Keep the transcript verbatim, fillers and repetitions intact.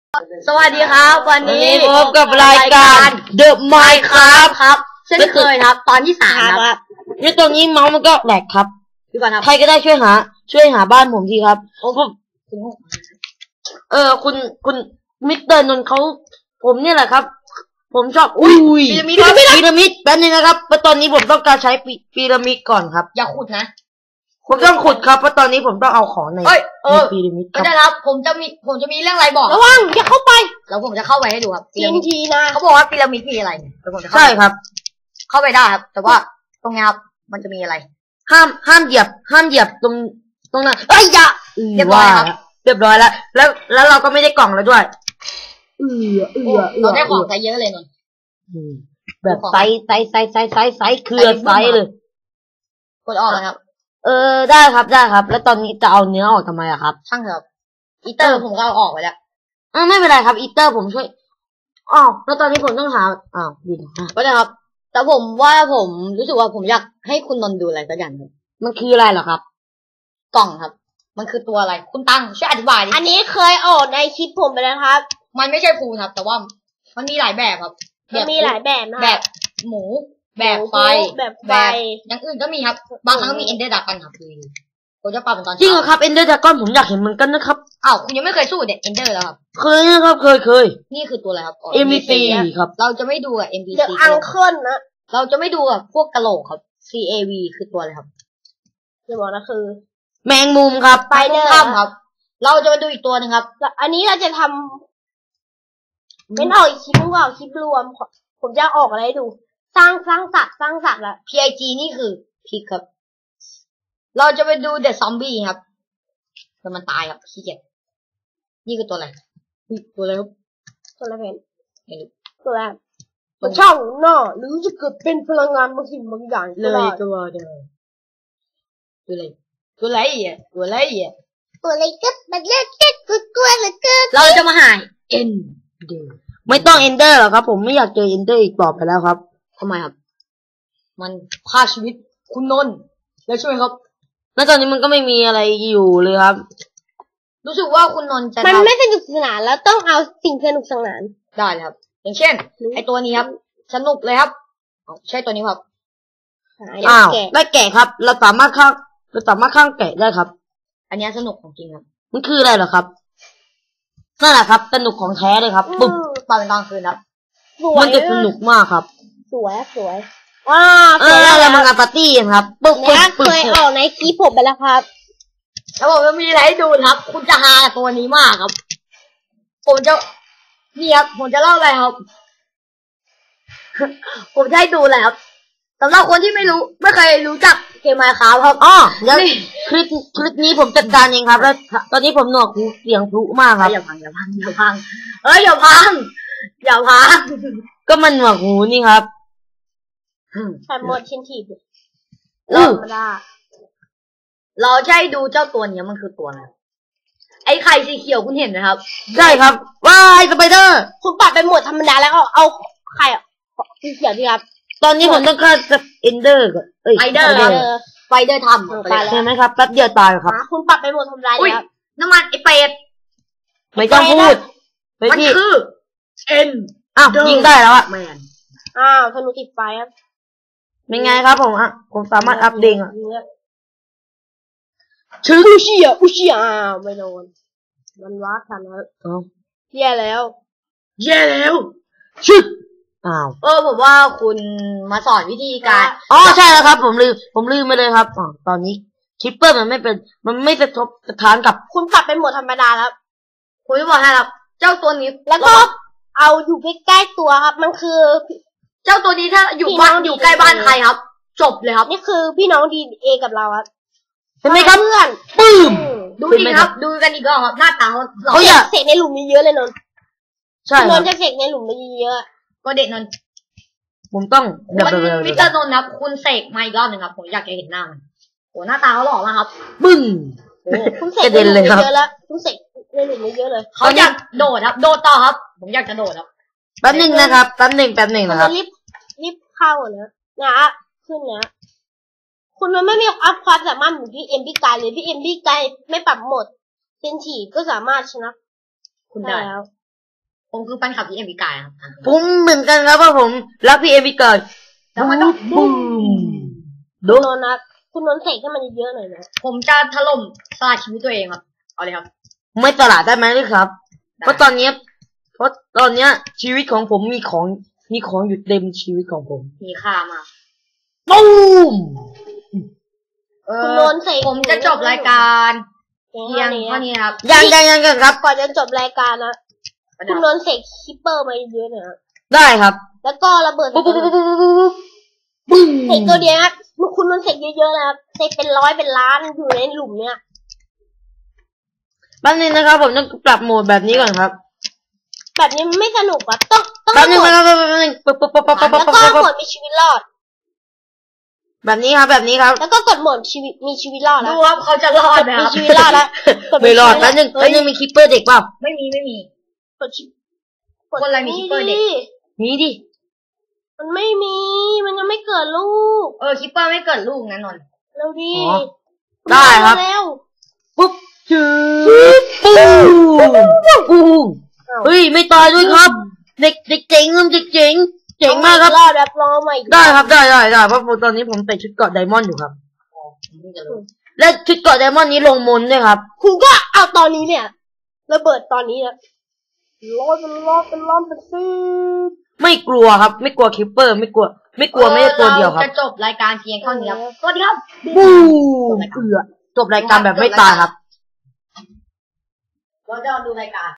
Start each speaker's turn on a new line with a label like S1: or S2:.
S1: สวัสดีครับวันนี้
S2: พบกับรายการ The Minecraft
S1: ครับเช่นเคยครับตอนที่สามครับ
S2: นี่ตรงนี้เมาส์มันก็แหลกครับ
S1: พี่ก่อนครับ
S2: ใครก็ได้ช่วยหาช่วยหาบ้านผมทีครับโอ้ผมเออคุณคุณมิสเตอร์นนท์เขาผมเนี่ยแหละครับผมชอบอุ้ยพีระมิดพีระมิดแป๊บนึงนะครับเพราะตอนนี้ผมต้องการใช้พีระมิดก่อนครับ
S1: อย่าขุดนะ
S2: ผมต้องขุดครับเพราะตอนนี้ผมต้องเอาของในพีระมิด
S1: ก็ได้ครับผมจะมีผมจะมีเรื่องอะไรบอก
S2: ระวังอย่าเข้าไป
S1: แล้วผมจะเข้าไปให้ดูครับ
S2: ทีนทีนะ
S1: เขาบอกว่าพีระมิดมีอะไรแล้วผมจะ
S2: ใช่ครับ
S1: เข้าไปได้ครับแต่ว่าตรงนี้ครับมันจะมีอะไร
S2: ห้ามห้ามเหยียบห้ามเหยียบตรงตรงนั้นเอ้ยอย่า
S1: เรียบร้อยครับ
S2: เรียบร้อยแล้วแล้วแล้วเราก็ไม่ได้กล่องแล้วด้วย
S1: เออเออเราได้ของใส่เยอะเลยนน
S2: แบบไซส์ไซส์ไซส์ไซส์ไซส์ไซส์คือไซส์เลย
S1: กดออกนะครับ
S2: เออได้ครับได้ครับแล้วตอนนี้จะเอาเนื้อออกทำไมอะครับ
S1: ช่างเถอะอีเตอร์ผมก็เอาออกไปแล้ว
S2: อ่าไม่เป็นไรครับอีเตอร์ผมช่วยอ๋อแล้วตอนนี้ผมต้องหาอ้าวดิ
S1: ก็ได้ครับแต่ผมว่าผมรู้สึกว่าผมอยากให้คุณนนท์ดูอะไรสักอย่างนึง
S2: มันคืออะไรเหรอครับ
S1: กล่องครับมันคือตัวอะไรคุณตั้งช่วยอธิบายดิ
S2: อันนี้เคยออกในคลิปผมไปแล้วครับ
S1: มันไม่ใช่ภูครับแต่ว่ามันมีหลายแบบครับ
S2: มันมีหลายแบบนะ
S1: แบบหมูแบบไฟ
S2: แบบไฟ
S1: อย่างอื่นก็มีครับบางครั้งก็มีเอนเดอร์ดากอนครับผมจะปรับเป็นตอน
S2: จริงเหรอครับเอนเดอร์ดากอนผมอยากเห็นเหมือนกันนะครับ
S1: อ้าวคุณยังไม่เคยสู้เด็กเอนเดอร์แล้วครับ
S2: เคยนะครับเคยเคย
S1: นี่คือตัวอะไรครับ
S2: เอ็ม วี ซี ครับ
S1: เราจะไม่ดูกับ เอ็ม วี ซี
S2: เดอะอังเคิลนะ
S1: เราจะไม่ดูกับพวกกะโหลกครับ ซี เอ วี คือตัวอะไรครับ
S2: จะบอกนะคือแมงมุมครับ
S1: ไปเดอร์ครับ เราจะไปดูอีกตัวนึงครับ
S2: อันนี้เราจะทำเป็นออกคลิปนึงว่าคลิปรวมผมจะออกอะไรให้ดูสร้างสร้างสัตว์สร้างสัตว์ละ
S1: พี ไอ จี นี่คือพิกครับเราจะไปดูเดอะซอมบี้ครับแต่มันตายครับขี้เกียจนี่คือตัวอะไรตัวอะไรครับ
S2: ตัวอะไรเป็นตัวอะไรตัวช่องหน้าหรือจะเกิดเป็นพลังงานบางสิ่งบางอย่าง
S1: เลยตัวเดียวตัวอะไรตัวอะไรอ่ะตัวอะไรอ่ะ
S2: ตัวอะไรก็มันเล็กเล็กกลัวเหลือเกิน
S1: เราจะมาหาเอ็นเดอร์
S2: ไม่ต้องเอนเดอร์หรอกครับผมไม่อยากเจอเอนเดอร์อีกต่อไปแล้วครับ
S1: ทำไมครับมันฆ่าชีวิตคุณนนท์แล้วใช่ไหมครับ
S2: แล้วตอนนี้มันก็ไม่มีอะไรอยู่เลยครับ
S1: รู้สึกว่าคุณนนท์จะ
S2: มันไม่สนุกสนานแล้วต้องเอาสิ่งสนุกสนาน
S1: ได้ครับอย่างเช่นไอตัวนี้ครับสนุกเลยครับใช่ตัวนี้ครับ
S2: อ้าวได้แกะครับเราสามารถข้างเราสามารถข้างแกะได้ครับ
S1: อันนี้สนุกของจริงครับ
S2: มันคืออะไรเหรอครับนั่นแหละครับสนุกของแท้เลยครับ
S1: ปุ๊บตอนเป็นตอนคืนครับ
S2: มันจะสนุกมากครับ
S1: สวยสวย
S2: ว้าเออแล้วมันงานปาร์ตี้ครับปุ๊บปุ๊บ
S1: เคยออกในคลิปผมไปแล้วครับแล้วผมจะมีอะไรให้ดูครับคุณจะฮาตัวนี้มากครับผมจะนี่ครับผมจะเล่าอะไรครับผมจะให้ดูแหละครับสำหรับคนที่ไม่รู้ไม่เคยรู้จักเกม Minecraft ครับ
S2: อ๋อแล้วคลิปคลิปนี้ผมจัดการเองครับแล้วตอนนี้ผมหนวกหูเสียงพลุมากครับ
S1: อย่าพังอย่าพังอย่าพังเอ้ยอย่าพังอย่าพัง
S2: ก็มันหนวกหูนี่ครับ
S1: ใช่หมดชิ้นทีเราเราจะให้ดูเจ้าตัวนี้มันคือตัวอะไรไอ้ไข่สีเขียวคุณเห็นไหมครับ
S2: ใช่ครับว้ายสไปเดอร์
S1: คุณปัดไปหมดธรรมดาแล้วเอาเอาไข่สีเขียวดีครับ
S2: ตอนนี้ผมต้องการจะเอนเดอร์ก่อนเอ้ย
S1: ไฟเดอร์ไฟเดอร์ทำ
S2: ใช่ไหมครับแป๊บเดียวตายครับ
S1: คุณปัดไปหมดธรรมดาแล้วน้ำมันไอเป็ด
S2: ไม่ต้องพูด
S1: มันคือเอ็น
S2: อ้าวยิงได้แล้วอะ
S1: แมนอ้าวธนูติดไฟครับ
S2: เป็นไงครับผมอ่ะผมสามารถอัพเด้งอ่ะ
S1: ชื่ออุชิอ่ะอุชิอ่ะไม่โดนมันวัดทันแล้วแย่แล้วแย่แล้ว
S2: ชึบอ้าว
S1: เออผมว่าคุณมาสอนวิธีการ
S2: อ๋อใช่แล้วครับผมลืมผมลืมไปเลยครับอ๋อตอนนี้คิปเปอร์มันไม่เป็นมันไม่สะทบสะท้านกับ
S1: คุณปรับเป็นโหมดธรรมดาแล้วคุณจะบอกให้ครับเจ้าตัวนี้แล้วก็เอาอยู่ใกล้ๆตัวครับมันคือเจ้าตัวนี้ถ้าอยู่บ้านอยู่ใกล้บ้านใครครับจบเลยครับนี่คือพี่น้องดีเอกับเราครับ
S2: เห็นไหมครับ
S1: เพื่อน
S2: ปื้ม
S1: ดูดีครับดูกันอีกรอบครับหน้าตาเขา
S2: เขาอยาก
S1: เสกในหลุมนี้เยอะเลยนนท์
S2: ใช่
S1: นนท์จะเสกในหลุมนี้เยอะก็เด็กนนท์
S2: ผมต้อง
S1: มันมิสเตอร์นนท์ครับคุณเสกมาอีกรอบหนึ่งครับผมอยากจะเห็นหน้ามันโหหน้าตาเขาหล่อมากครับ
S2: บึ้ง
S1: คุณเสกในหลุมนี้เยอะแล้วคุณเสกในหลุมนี้เยอะเลยเขาอยากโดดครับโดดต่อครับผมอยากจะโดดครับ
S2: แป๊บหนึ่งนะครับแป๊บหนึ่งแป๊บหนึ่งนะครับ
S1: รีบรีบเข้านะนะขึ้นนะคุณมันไม่มีอัพความสามารถเหมือนพี่เอ็มพี่กายเลยพี่เอ็มพี่กายไม่ปรับโหมดเป็นฉี่ก็สามารถชนะคุณได้แล้วผมคือแฟนคลับพี่เอ็มพีกายครับ
S2: ผมเหมือนกันครับว่าผมรักพี่เอ็มพีกายแล้วมันต้องบูมดู
S1: นนท์นะคุณนนท์เสกให้มันเยอะหน่อยนะผมจะถล่มสละชีวิตตัวเองครับเอาเลยครับ
S2: ไม่ตลาดได้ไหมเลยครับเพราะตอนนี้เพราะตอนเนี้ยชีวิตของผมมีของมีของอยู่เต็มชีวิตของผม
S1: มีค่ามาก
S2: บูม
S1: คุณนนท์เสกผมจะจบรายการเพียงเท่านี้ครับ
S2: ยังยังยังครับ
S1: ก่อนจะจบรายการนะคุณนนท์เสกคิปเปอร์มาเยอะหน่อย
S2: ได้ครับ
S1: แล้วก็ระเบิดปุ๊บปุ๊บปุ๊บปุ๊บเสกตัวเดียวนะคุณนนท์เสกเยอะๆนะครับเสกเป็นร้อยเป็นล้านอยู่ในหลุมเนี้ย
S2: แป๊บนึงนะครับผมต้องปรับโหมดแบบนี้ก่อนครับ
S1: แบบนี้ไม่สนุกอ่ะต้องต้อง
S2: แป๊บนึงแป๊บนึงแป๊บนึงปุ๊บปุ๊บปุ๊บปุ๊บปุ๊บ
S1: แล้วก็โหมดมีชีวิตรอด
S2: แบบนี้ครับแบบนี้ครับ
S1: แล้วก็กดโหมดชีวิตมีชีวิตรอดนะ
S2: ดูว่าเขาจะรอดไหมครับ
S1: มีชีวิตรอดแล้ว
S2: ไม่รอดแป๊บนึงแป๊บนึงมีคิปเปอร์เด็กเปล่า
S1: ไม่มีไม่มีกดชิปกดอะไรมีคิปเปอร์เด็ก
S2: มีดิ
S1: มันไม่มีมันยังไม่เกิดลูกเออคิปเปอร์ไม่เกิดลูกนะนนท์เร็วดิ
S2: ได้ครับปุ๊บจืดปูปูเฮ้ยไม่ตายด้วยครับเด็กเด็กเจ๋งเด็กเจ๋งเจ๋งมากครับ
S1: แบบรอใหม่
S2: ได้ครับได้ได้ได้เพราะตอนนี้ผมใส่ชุดเกราะไดมอนด์อยู่ครับและชุดเกราะไดมอนด์นี้ลงมนด้วยครับ
S1: คุณก็เอาตอนนี้เนี่ยระเบิดตอนนี้นะร้อนเป็นร้อนเป็นร้อนเป็นซีด
S2: ไม่กลัวครับไม่กลัวคิปเปอร์ไม่กลัวไม่กลัวไม่ได้ตัวเดียวครับ
S1: จะจบรายการเพียงเท่านี้ครับสวัสดีครับ
S2: บูเกือจบรายการแบบไม่ตายครับ
S1: เราจะดูรายการ